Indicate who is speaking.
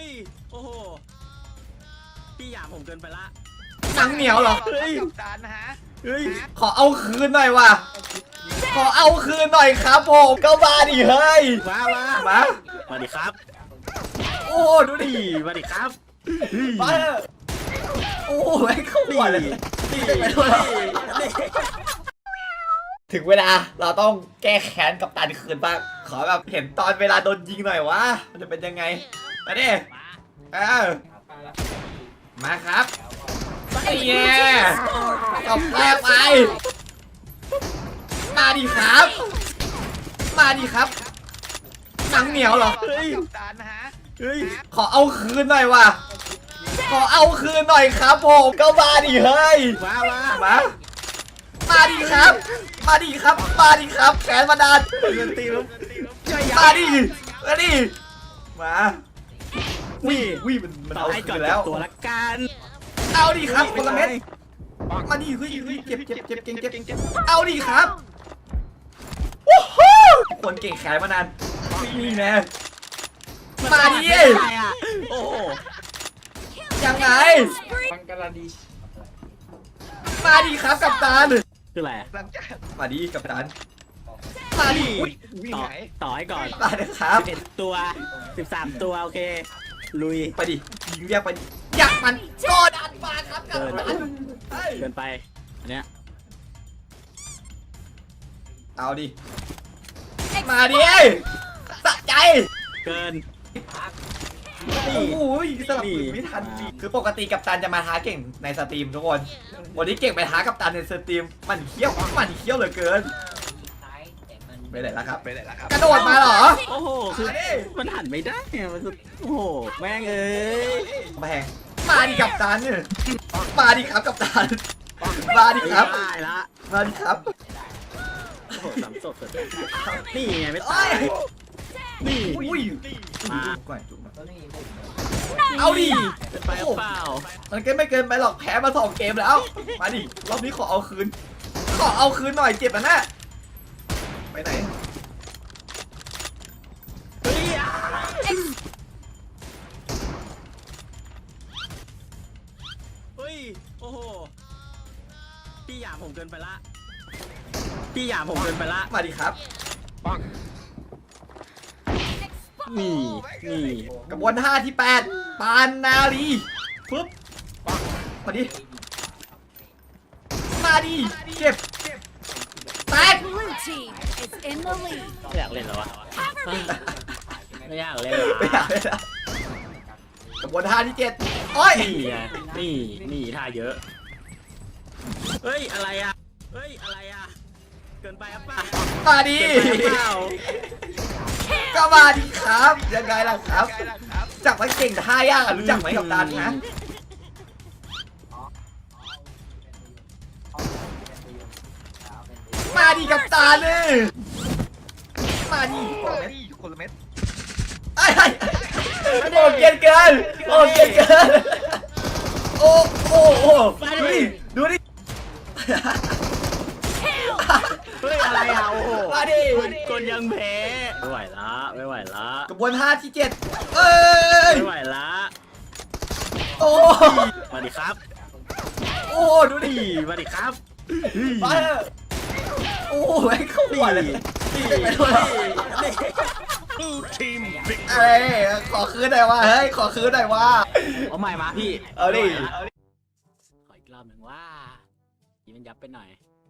Speaker 1: ฮ้ยโอ้โหพี่หยามผมเกินไปละ
Speaker 2: หนังเหนียวเหรอ
Speaker 1: เฮ้ย
Speaker 3: กับตันนะฮะ
Speaker 1: เฮ้ย
Speaker 2: ขอเอาคืนหน่อยว่ะขอเอาคืนหน่อยครับผมก็มาดิเฮ้ย
Speaker 1: มา
Speaker 2: มา
Speaker 1: ดิครับ
Speaker 2: โอ้ดูดิ
Speaker 1: มาดิครับ
Speaker 2: มาโอ้แม่งเข้าหัวเลยไปด้วยเหรอถึงเวลาเราต้องแก้แค้นกับตันคืนบ้างขอแบบเห็นตอนเวลาโดนยิงหน่อยวะมันจะเป็นยังไงมาดิมาครับไอ้แย่กับแรกไปมาดิครับมาดิครับหนังเหนียวเหรอ
Speaker 1: เฮ้ย
Speaker 3: กับตันนะฮะ
Speaker 1: เฮ้ย
Speaker 2: ขอเอาคืนหน่อยว่ะขอเอาคืนหน่อยครับผมก็มาดิเฮ้ย มาดิครับ มาดิครับ มาดิครับแขนมาดาน
Speaker 1: เงินตีแล้ว
Speaker 2: มาดิมาดิมา
Speaker 1: นี่
Speaker 2: วิ่มัน
Speaker 1: ต่อ
Speaker 2: เอา
Speaker 1: ให้ก่อน
Speaker 2: คืนแล้ว
Speaker 1: ตัวละกัน
Speaker 2: เอาดิครับคนละเม็ดมาดิเฮ้ยเจ็บเอาดิครับว้าวคนเก่งแขนมานานนี่แน่มาดิ
Speaker 1: อะไรอ่ะโอ้โห
Speaker 2: ยังไง
Speaker 3: บังกลาเทศ
Speaker 2: มาดิครับกัปตัน
Speaker 1: คืออะไร
Speaker 3: หลังจาก
Speaker 2: มาดิกัปตันมาดิ
Speaker 3: วิ่ง
Speaker 1: ต่อ
Speaker 3: ไหน
Speaker 1: ต่อให้ก่อน
Speaker 2: มาดิครับ
Speaker 1: 11ตัว13ตัวโอเคลุย
Speaker 2: ไปดิยิงเรียกไปดิอยากมันโกดันมาครับกัปตัน
Speaker 1: เกินไปอันเนี้ย
Speaker 2: เอาดิมาดิสะใจ
Speaker 1: เกิน
Speaker 2: โอ้โหสลับปืนไม่ทันคือปกติกัปตันจะมาท้าเก่งในสตรีมทุกคนวันนี้เก่งไปท้ากัปตันในสตรีมมันเขี้ยวเหลือเกินไปไหนแล้วครับ
Speaker 3: ไปไหนล่ะครับ
Speaker 2: กระโดดมาเหรอ
Speaker 1: โอ้โหคือ
Speaker 2: มาดิ
Speaker 1: มันหันไม่ได้อะมันสุดโอ้โหแม่งเอ้ย
Speaker 2: แพงมาดิกัปตันมาดิครับกัปตันมาดิครับ
Speaker 1: ไม่ได้ละ
Speaker 2: มาดิครับ
Speaker 1: โอ้โหสามศพสุดนี่ไงไม่
Speaker 2: โอ้
Speaker 1: ตาย
Speaker 2: ย
Speaker 1: นี่
Speaker 2: อุ้ย
Speaker 1: มา
Speaker 2: ก่อนจุ๊บเอาดิ
Speaker 1: เป็นไปหรือเปล่า
Speaker 2: มันก็ไม่เกินไปหรอกแพ้มา2 เกมแล้วมาดิรอบนี้ขอเอาคืนหน่อยเจ็บนะไปไหน
Speaker 1: เฮ้ยอ่ะเฮ้ยโอ้โหพี่หยามผมเกินไปละพี่หยามผมเกินไปละ
Speaker 2: มาดิครับ
Speaker 1: นี่นี่
Speaker 2: กระบวนท่าที่8ปานนาลีปึ๊บมาดิเจ็บแตก
Speaker 4: Blue team is in the lead.
Speaker 1: ไม่อยากเล่นแล้ววะไม่อยากเล่น
Speaker 2: ไม่อยากเลยนะกระบวนท่าที่7โอ้ย
Speaker 1: นี่ไงนี่ท่าเยอะเฮ้ยอะไรอ่ะเฮ้ยอะไรอ่ะเกินไปอ่ะป้า
Speaker 2: มาดิ
Speaker 1: เกินไปเปล่า
Speaker 2: ก็มาดิครับยังไงล่ะครับ
Speaker 3: ใกล้แล้วครับ
Speaker 2: จักมันเก่งท่ายากอะรู้จักไหมกับตันนะมาดิกับตาเลยมาดิ
Speaker 3: คนละเม็ดคนละเม็ด
Speaker 2: ไอ้โอ้เกินเกินโอ้เกินเกินโอ้ดูดิ
Speaker 1: เฮ้ยอะไรอ่ะโอ้โห
Speaker 2: มาดิ
Speaker 1: กดยังแพ้ไม่ไหวละ
Speaker 2: กระบวนท่าที่7เอ้ย
Speaker 1: ไม่ไหวละ
Speaker 2: โอ้
Speaker 1: มาดิครับ
Speaker 2: โอ้ดูดิ
Speaker 1: มาดิครับ
Speaker 2: มาโอ้แม่งเข้าหัวเลยไปด้วย เอ้ยขอคืนหน่อยวะเฮ้ยขอคืนหน่อยวะ
Speaker 1: เอาใหม่มาพี่
Speaker 2: เอาดิ
Speaker 1: ขออีกรอบหนึ่งว่ายิงมันยับไปหน่อย